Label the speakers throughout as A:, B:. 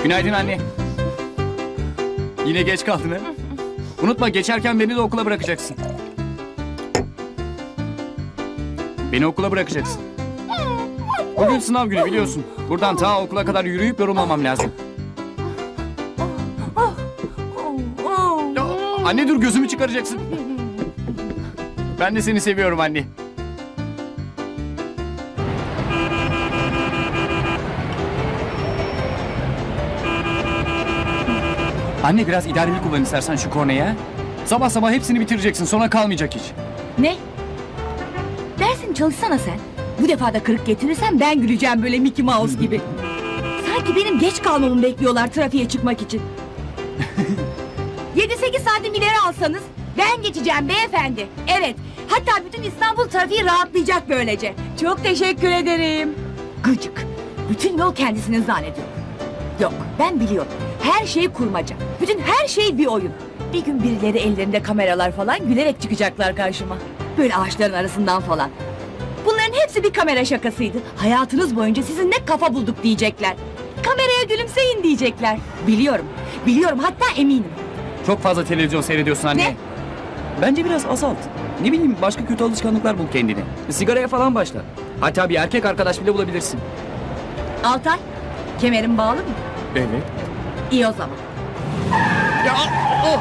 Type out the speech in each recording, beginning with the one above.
A: Günaydın anne. Yine geç kaldın ha? Unutma, geçerken beni de okula bırakacaksın. Beni okula bırakacaksın. Bugün sınav günü biliyorsun. Buradan ta okula kadar yürüyüp yorulmamam lazım. Ya, anne dur, gözümü çıkaracaksın. Ben de seni seviyorum anne. Anne biraz idareli kullan istersen şu korneyi ha. Sabah sabah hepsini bitireceksin, sonra kalmayacak hiç.
B: Ne? Dersin çalışsana sen. Bu defa da kırık getirirsen ben güleceğim böyle Mickey Mouse gibi. Sanki benim geç kalmamı bekliyorlar trafiğe çıkmak için. 7-8 santim ileri alsanız ben geçeceğim beyefendi. Evet, hatta bütün İstanbul trafiği rahatlayacak böylece. Çok teşekkür ederim. Gıcık. Bütün yol kendisinin zannediyor. Yok, ben biliyorum. Her şey kurmaca. Bütün her şey bir oyun. Bir gün birileri ellerinde kameralar falan gülerek çıkacaklar karşıma. Böyle ağaçların arasından falan. Bunların hepsi bir kamera şakasıydı. Hayatınız boyunca sizin ne kafa bulduk diyecekler. Kameraya gülümseyin diyecekler. Biliyorum. Biliyorum, hatta eminim.
A: Çok fazla televizyon seyrediyorsun anne.
B: Ne?
A: Bence biraz azalt. Ne bileyim, başka kötü alışkanlıklar bul kendine. Sigaraya falan başla. Hatta bir erkek arkadaş bile bulabilirsin.
B: Altay, kemerin bağlı mı?
A: Evet.
B: İyi o zaman.
A: Ya o.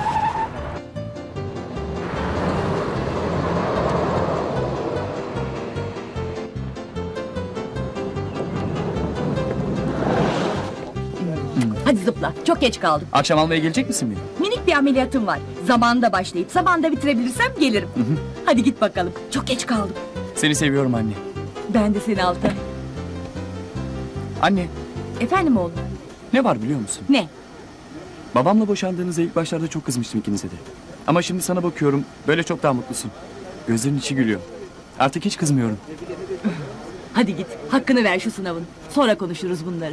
B: Hadi zıpla, çok geç kaldım.
A: Akşam almaya gelecek misin beni?
B: Minik bir ameliyatım var. Zamanında başlayıp zamanında bitirebilirsem gelirim. Hadi git bakalım, çok geç kaldım.
A: Seni seviyorum anne.
B: Ben de seni Altay.
A: Anne,
B: Efendim oğlum?
A: ne var biliyor musun?
B: Ne?
A: Babamla boşandığınızda ilk başlarda çok kızmıştım ikinize de. Ama şimdi sana bakıyorum, böyle çok daha mutlusun. Gözlerin içi gülüyor. Artık hiç kızmıyorum.
B: Hadi git, hakkını ver şu sınavın. Sonra konuşuruz bunları.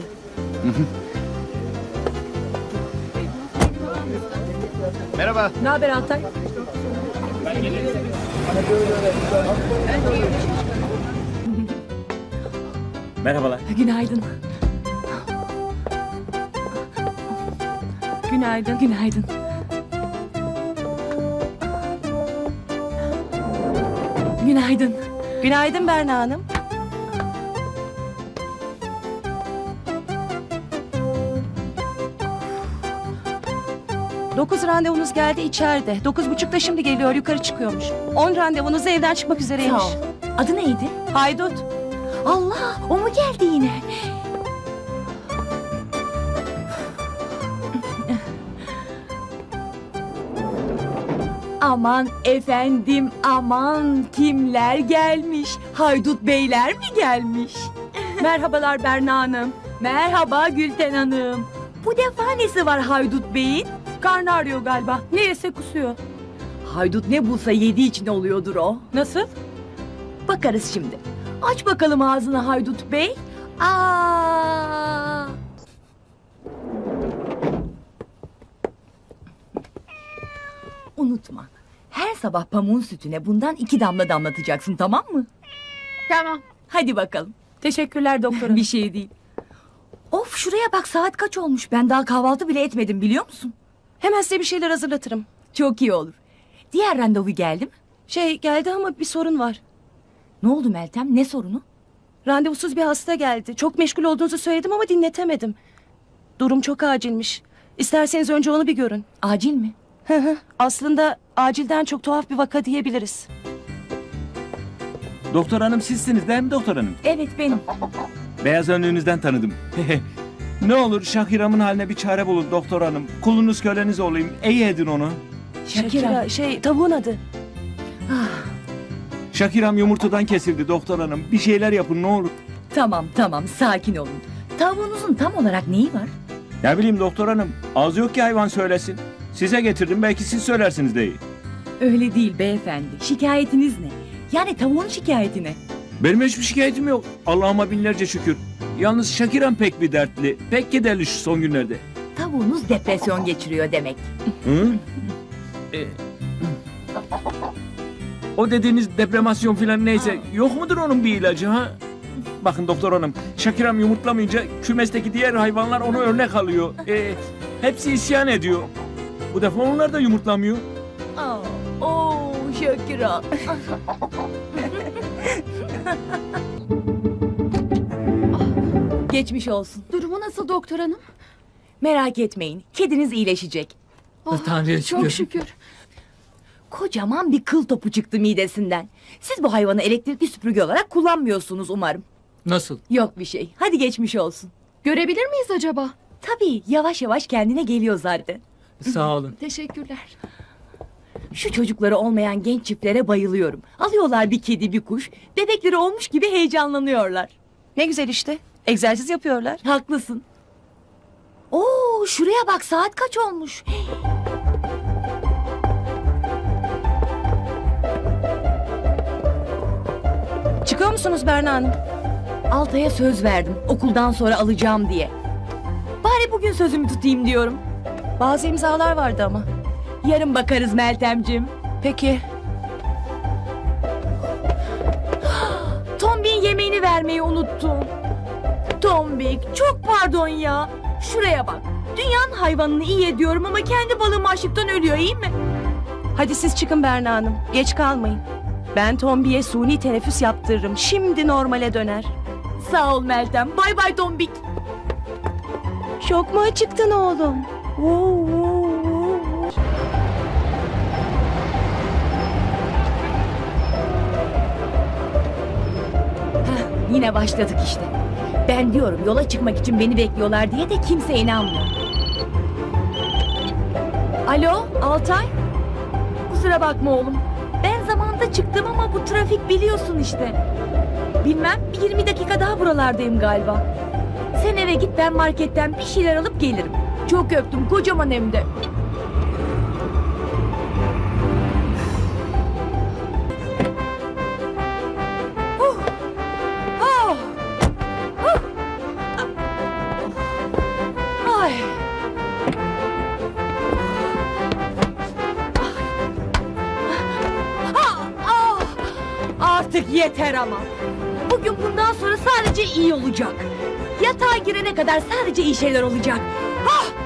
A: Merhaba.
B: Ne haber Altay?
A: Merhabalar.
B: Günaydın. Günaydın. Günaydın. Günaydın.
C: Günaydın Berna Hanım. Dokuz randevunuz geldi içeride. 9.30'da şimdi geliyor, yukarı çıkıyormuş. 10 randevunuz evden çıkmak üzereymiş.
B: Sağ ol. Adı neydi?
C: Haydut.
B: Allah, o mu geldi yine? Aman efendim, aman kimler gelmiş? Haydut beyler mi gelmiş?
C: Merhabalar Berna Hanım.
B: Merhaba Gülten Hanım. Bu defa nesi var Haydut Bey'in?
C: Karnı ağrıyor galiba. Ne yese kusuyor.
B: Haydut ne bulsa yediği için oluyordur o.
C: Nasıl?
B: Bakarız şimdi. Aç bakalım ağzını Haydut Bey. Aa! Unutma. Her sabah pamuğun sütüne bundan 2 damla damlatacaksın, tamam mı?
C: Tamam.
B: Hadi bakalım.
C: Teşekkürler doktorum.
B: Bir şey değil. Of, şuraya bak, saat kaç olmuş? Ben daha kahvaltı bile etmedim, biliyor musun?
C: Hemen size bir şeyler hazırlatırım.
B: Çok iyi olur. Diğer randevu geldi mi?
C: Geldi ama bir sorun var.
B: Ne oldu Meltem? Ne sorunu?
C: Randevusuz bir hasta geldi. Çok meşgul olduğunuzu söyledim ama dinletemedim. Durum çok acilmiş. İsterseniz önce onu bir görün.
B: Acil mi?
C: Aslında acilden çok tuhaf bir vaka diyebiliriz.
D: Doktor hanım sizsiniz değil mi doktor hanım?
B: Evet, benim.
D: Beyaz önlüğünüzden tanıdım. Ne olur Şahiram'ın haline bir çare bulun doktor hanım. Kulunuz köleniz olayım. İyi edin onu.
B: Şakira.
C: Tavuğun adı.
D: Şahiram yumurtadan kesildi doktor hanım. Bir şeyler yapın ne olur.
B: Tamam, sakin olun. Tavuğunuzun tam olarak neyi var?
D: Ne bileyim doktor hanım. Az yok ki hayvan söylesin. Size getirdim belki siz söylersiniz de iyi.
B: Öyle değil beyefendi. Şikayetiniz ne? Yani tavuğun şikayeti ne?
D: Benim hiçbir şikayetim yok. Allah'ıma binlerce şükür. Yalnız Şahiram pek bir dertli. Pek kederli şu son günlerde.
B: Tavuğunuz depresyon geçiriyor demek.
D: Hı? O dediğiniz depremasyon filan neyse yok mudur onun bir ilacı ha? Bakın doktor hanım, Şakiram yumurtlamayınca kümesteki diğer hayvanlar onu örnek alıyor. Hepsi isyan ediyor. Bu defa onlar da yumurtlamıyor.
B: Oo Şakira. Geçmiş olsun.
E: Durumu nasıl doktor hanım?
B: Merak etmeyin. Kediniz iyileşecek.
D: Tanrı'ya
E: Çok şükür.
B: Kocaman bir kıl topu çıktı midesinden. Siz bu hayvanı elektrikli süpürge olarak kullanmıyorsunuz umarım.
F: Nasıl?
B: Yok bir şey. Hadi geçmiş olsun.
E: Görebilir miyiz acaba?
B: Tabii yavaş yavaş kendine geliyor zaten.
F: Sağ olun.
E: Teşekkürler.
B: Şu çocukları olmayan genç çiftlere bayılıyorum. Alıyorlar bir kedi bir kuş. Bebekleri olmuş gibi heyecanlanıyorlar.
C: Ne güzel işte. Egzersiz yapıyorlar.
B: Haklısın. Oo şuraya bak saat kaç olmuş.
C: Çıkıyor musunuz Berna Hanım?
B: Altay'a söz verdim okuldan sonra alacağım diye. Bari bugün sözümü tutayım diyorum.
C: Bazı imzalar vardı ama.
B: Yarın bakarız Meltemciğim.
C: Peki.
B: Tombik'in yemeğini vermeyi unuttum. Tombik çok pardon ya. Şuraya bak. Dünyanın hayvanını iyi ediyorum ama kendi balığım açlıktan ölüyor iyi mi?
C: Hadi siz çıkın Berna Hanım. Geç kalmayın. Ben Tombi'ye suni teneffüs yaptırırım. Şimdi normale döner.
B: Sağ ol Meltem. Bay bay Tombik.
C: Çok mu acıktın oğlum?
B: Yine başladık işte. Ben diyorum yola çıkmak için beni bekliyorlar diye de kimse inanmıyor. Alo Altay? Kusura bakma oğlum. Ben zamanında çıktım ama bu trafik biliyorsun işte. Bilmem 20 dakika daha buralardayım galiba. Sen eve git ben marketten bir şeyler alıp gelirim. Çok öptüm kocaman hem de. Ay. Artık yeter ama. Bugün bundan sonra sadece iyi olacak. Yatağa girene kadar sadece iyi şeyler olacak. Ah!